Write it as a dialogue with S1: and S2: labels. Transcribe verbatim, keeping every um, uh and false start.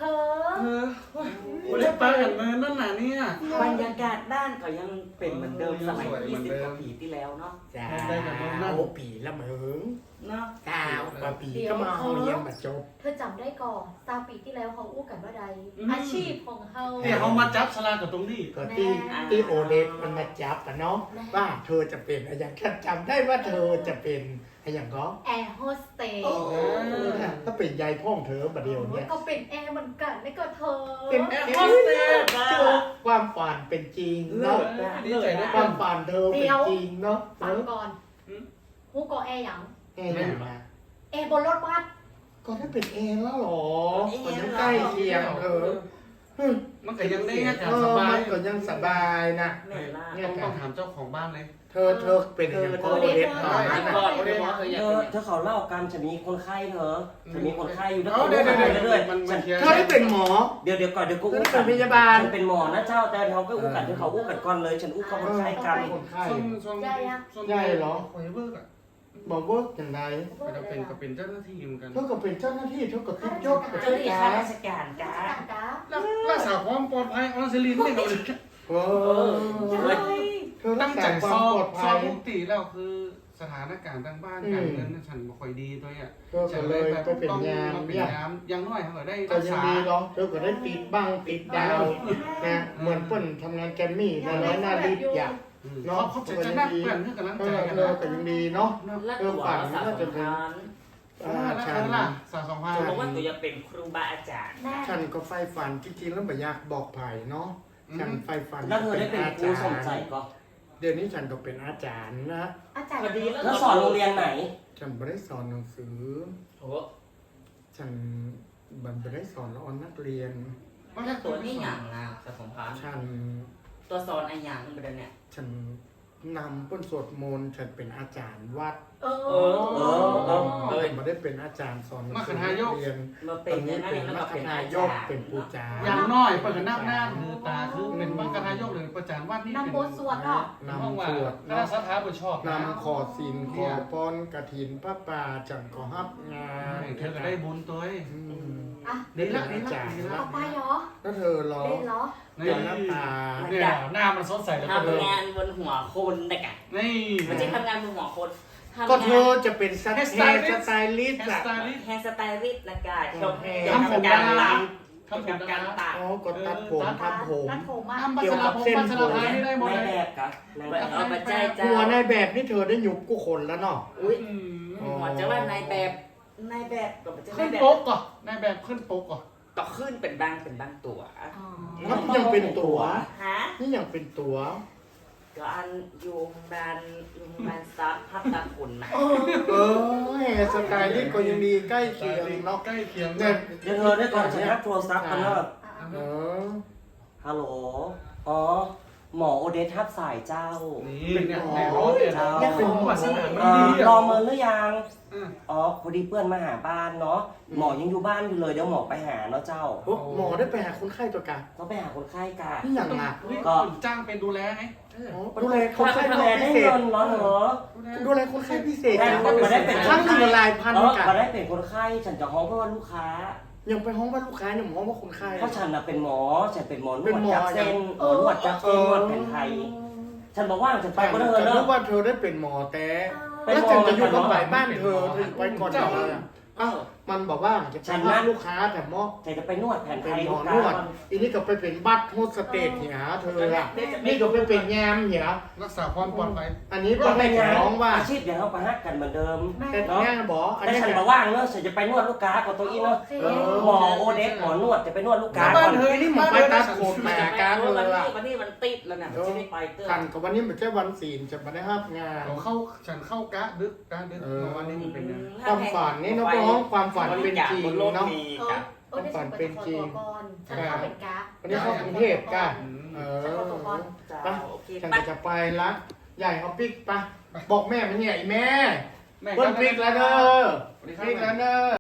S1: อ
S2: เออไม่ได้ไปกันเนินนั่นน่ะเนี่ย
S3: บรรยากาศด้านก็ยังเป็นเหมือนเดิมสมัยยี่สิบกว่าปีที่แล้วเนาะ
S4: จ้าโอ้ปีละเหมือง
S3: เนาะ
S4: เก้ากว่าปีก็มาเอาเยี่ยมมาจบ
S1: เธอจำได้ก่อนตาปีที่แล้วเขาอู้กันว่าใดอาชีพของเขา
S2: เนี่ยเขามาจับสลากกับตรงนี้
S4: ก็ที่ที่โอเดสมันมาจับกันเนาะว่าเธอจะเป็นอะไรอย่างฉันจำได้ว่าเธอจะเป็นอะไรอย่างก็
S1: แอร์โฮสเตส
S4: ถ้าเป็นยายพ่องเธอบัดเดียวเนี่ย
S1: ก็เป็นแอร์เหมือนกันไม่ก็เธอ
S4: เป็นแอร์โฮสเตสความฝันเป็นจริงเนาะ
S2: ดีใจด้วย
S4: ความฝันเธอเป็นจริงเนาะ
S1: ฟังก่อนฮู้ก็แอร์หยัง
S4: แอร์อย่างมา
S1: แอร์บนรถบัส
S4: ก็ถ้าเป็นแอร์แล้วหรอก็ยังใกล้เคียงเธอ
S2: มันก็ยังได้อากาศ
S4: เอ
S2: ส
S4: อบ
S2: า
S4: มั
S2: ย
S4: นก็ยังสบายนะ
S3: แม่ล่า
S2: ต้องต้องถามเจ้าของบ้านเลย
S4: เธอเธอเป็นอย่างโอเดสตอนนั้น
S2: ก่อนโอเดสเคยอยาก
S3: เธ
S2: เป็
S3: อน เธอเขาเล่ากันจะมีคนไข้เธอจะมีคนไข้อยู่แล้ว
S2: เดี๋ยวเดี๋ยวเดี๋ยว
S3: เรื่อย
S2: มันมัน
S4: เธอได้เป็นหมอ
S3: เดี๋ยวเดี๋ยวก่อนเดี๋ยวกู
S4: เธอ
S3: อู้
S4: ได้เป็นพยาบาล
S3: ฉันเป็นหมอนะเจ้าแต่เขาก็อู้กันเธอเขาอู้กันก่อนเลยฉันอู้เขาคนไข้กัน
S4: คนไข้
S2: ช่วงช่วงช่วง
S4: ใหญ่เหรอ
S2: คอยเบิกอ่ะ
S4: บอกว่าอย่างไร
S2: ก็จะเป็นก็เป็นเจ้าหน้าที่เหมือนกัน
S4: เธอก็เป็นเจ้าหน้าที่เธอก็ติดยศกับ
S3: เจ้าหน้าที่ข้า
S4: จ้า
S3: ราชการจ้า
S1: ต่างจ้า
S2: รักษาความปลอดภัยออนซิลินเนี่ยเรา
S4: เออเธอรั
S2: ตั้
S4: ก
S2: ง
S4: ษา
S2: ใจ
S4: ควา
S2: ส
S4: ม
S2: อ
S4: ปลอบ ด
S2: ส
S4: ภั
S2: อย บปกติแล้วคือสถานการณ์ทางบ้านการเงินฉันบ่ค่อยดีตัวอ่ะ
S4: เธอก็เลยไปเป็นยาม
S2: เป็น
S4: เนี่ย
S2: ยามยังน้อยเขาได้
S4: ก็
S2: รัก
S4: ยัง
S2: ษา
S4: ดีเนาะเธอก็ได้ติดบ้างติดดาวนะเหมือนเปิ้นทำงานแกรมมี่นะแล้วน่ารีบอยาก
S2: เนาะเขาจะนักเพื่อนเพื่อนกำลัง
S4: เอ
S2: ใจ
S4: อ
S2: กัน
S4: เธอ
S2: นะ
S4: ก็ยังดีเนาะ
S3: แล้วตัวภาษาสำคัญ
S4: อ่า
S2: แล้ว
S4: ฉั
S2: กัน
S4: น
S2: ล่ะสาวสองพัน
S3: จะบอกว่าตัวจะเป็นครูบาอาจารย์
S1: แม่
S4: ฉันก็ไฟฝันจริงๆแล้วไม่อยากบอกไผ่เนาะฉันไฟฝัน
S3: แล้วเธอได้เป็นครูสมใจก็
S4: เดี๋ยวนี้ฉันก็เป็นอาจารย์นะ
S1: อาจารย์
S3: พอดีแล้วสอนโรงเรียนไหน
S4: ฉันไม่ได้สอนหนังสือ
S3: โอ้
S4: ฉันบันไม่ได้สอนละออนนักเรียน
S3: แล้วตัวนี่อย่างนะสะสมพันธ์
S4: ฉัน
S3: ตัวสอนไอ้อย่างเดินเนี่ย
S4: ฉันนำป้นสวดมนต์ฉันเป็นอาจารย์วัด
S1: เออ
S3: เออเออเออเออ
S4: ฉันไม่ได้เป็นอาจารย์สอนหนังสือนักเรียน
S3: มา
S4: ต
S3: เป็
S4: อน น
S3: ยั
S4: นี้
S3: งไง
S4: เป็น
S3: แล้ว
S4: มั
S3: ก็
S4: ค
S3: เป็น
S4: นา
S3: อาย
S4: ก
S3: จารย์
S4: เป็นปูจา
S2: อย่างน้อยเปิดหน้าหน้าคือตาคือเป็นมังกรนายกหรือประจานวัดนี่
S1: นำบทสวดเนาะ
S4: นำสวด
S2: คณะ
S4: เนาะ
S2: สัทธาบุชอบ
S4: นำขอศีลขอป้อนกระถินพระป่าจังขอฮับงาน
S2: เธอก็ได้บุญตัวเอง
S4: อืม
S1: อ่ะ
S2: ดีละดีละดีละ
S1: เอาไปเหรอ
S4: แล้วเธอรอ
S1: เล่นเหรอ
S2: นี่
S4: เดี๋ยวหน้าตา
S2: เนี่ยหน้ามันสดใสแล้วก็เลย
S3: ทำงานบนหัวคนแต่กะ
S2: นี่
S3: มันจะทำงานบนหัวคนทำ
S4: ก็
S3: งาน
S4: เธอจะเป็นสไตล์สไตลิสต์
S2: แฮร์
S4: อะ
S2: สไตลิสต์
S3: แฮร์สไตลิสต์นะกะชม
S2: ทำผม
S3: การ
S2: ดารา
S3: ตัด
S2: ทำผม
S3: การ
S2: ดารา
S3: ตัด
S4: อ๋อก็ตัดผมทำผม
S1: ตัดผมอ่ะ
S2: ทำบัสลาผมบัสลาพายนี่ได้หมด
S3: ใน
S2: เลย
S3: แบบกะเอาไปใจเจ้า
S4: หัวในแบบนี่เธอได้หยุบกูคนแล้วเนาะ
S3: อุ้ยหัวจะว่าในแบบในแบบก็จะใน
S2: ขึ้น
S3: แบบ
S2: โป๊กก่อนในแบบขึ้นโป๊กก่อน
S3: ก็ขึ้นเป็นบางเป็นบางตัว
S1: อ๋อ
S4: นี่ยังเป็นตัว
S3: ฮะ
S4: นี่ยังเป็นตัว
S3: ก็อันยูงบานยูงบานซับพับตาขุนนะ
S4: เออสไตลิสต์ก็ยังดีใกล้เคียงเนาะ
S2: ใกล้เคียง
S4: เนี่ย
S3: เดี๋ยวเธอได้ก่อนฉันรับโทรศัพท์กันเนอะ
S4: เออ
S3: ฮัลโหล อ๋อ หมอโอเดสทับสายเจ้า
S2: นี่เนี่ยแน่นอนเนี่ยเนี่ยเป็นวาสนามัน
S3: เอ่
S2: ดี
S3: อรอเมินหรือยัง
S2: อ่ะ
S3: อ๋อ พอดีเพื่อนมาหาบ้านเนาะ หมอยังอยู่บ้านอยู่เลย เดี๋ยวหมอไปหาเนาะเจ้า
S4: โอ้หมอได้ไปหาคนไข้ตัวกัน
S3: ก็ไปหาคนไข้กัน
S4: นี่อย่างหนัก
S2: นี่คุณจ้างเป็นดูแลไง
S4: ดูแลคนไข้
S3: ดูแล
S4: พิ
S3: ได้
S4: เศษ
S3: เงินเหรอเหรอ
S4: ดูแลคนไข้พิเศษ
S3: แต่
S4: จัง
S3: ก็ไม่ได้เป็น
S4: ครั้งหนึ่งละลายพัน
S3: เออ
S4: กัน
S3: ก็ได้เป็นคนไข้ ฉันจะห้องเพราะว่าลูกค้า
S4: ยังไปห้องว่าลูกค้ายังหมอว่าคนไข้
S3: เพราะฉันน่ะเป็นหมอ ฉันเป็นหมอน
S4: เป็น
S3: วด
S4: หมอ
S3: จับเส้นเออนวดจับเส้นนวดแผนไทย ฉันบอกว่าฉันไปก็ได้
S4: ฉัน
S3: เน
S4: นึ
S3: อะ
S4: กว่าเธอได้เป็นหมอแต่
S3: ไป
S4: แล้ว
S3: หม
S4: ฉั
S3: อน
S4: จะอยู่
S3: กั
S4: กับ
S3: น
S4: ฝ่าย
S3: เนาะ
S4: บ้านเธอเธอไปก่อนเธออ้าวมันบอกว่าจะ
S3: ฉัน
S4: ทำ
S3: นะ
S4: ลูกค้าแต่หมอ
S3: ฉันจะไปนวดแผนไท
S4: เป็น
S3: ย
S4: หม
S3: ลู
S4: อก น
S3: ค้าว
S4: ดอีนี่ก็ไปเป็นบัตรโฮสเตสเนี่ยเธออะนี่ก็ไปเป็นแยมเนี่ย
S2: รักษาความปลอดภัย
S4: อันนี้
S3: ก็
S4: ก็
S3: เป็
S4: เป็น น
S3: งาน
S4: น้องว่า
S3: อาชีพอย่างเราไปฮักกันเหมือนเดิม
S4: แต่
S3: เนาะ
S4: แง่บอกอัน
S3: แต่
S4: นี้
S3: ฉันมาว่างเนอะฉันจะไปนวดลูกค้ากับตัวอีเนาะ
S1: โอเค
S3: หมอโอเดสหมอนวดจะไปนวดลูกค้า
S2: บ้า
S3: ก่อน น
S2: เธอ
S4: นี่หมอไปตัดผมแหมการเลย
S3: วัน
S4: ล่ะ
S3: นี้วันนี้มันติดแล้วเนี่ยจะได้ไปเตอร์
S4: ทันกับวันนี้มันแค่วันศีลจะมาได้ห้ามงาน
S2: เราเข้าฉันเข้ากะดึกกะดึกเมื่อวานนี้มันเป็นไง
S4: ความฝันนี่น้องๆความฝันเป็นจริงเนาะ
S1: เออเออได้ส่งไปขอตัวก่อนฉันเข้าเป็นกราฟ
S4: วันนี้เข้ากรุงเทพกันเออ
S1: ฉันขอตัวก่อน
S4: ไป
S3: โอเค
S4: ฉัน
S3: ไป
S4: ก็จะไปละใหญ่เอาปิ๊กไปบอกแม่มันเนี่ยไอ้แม่
S2: แม่
S4: เปิ้ลปิ๊กแล้วเด้อ
S2: สวัสดีครั
S4: ปิ๊กแล้ว
S2: บ
S4: เด้อ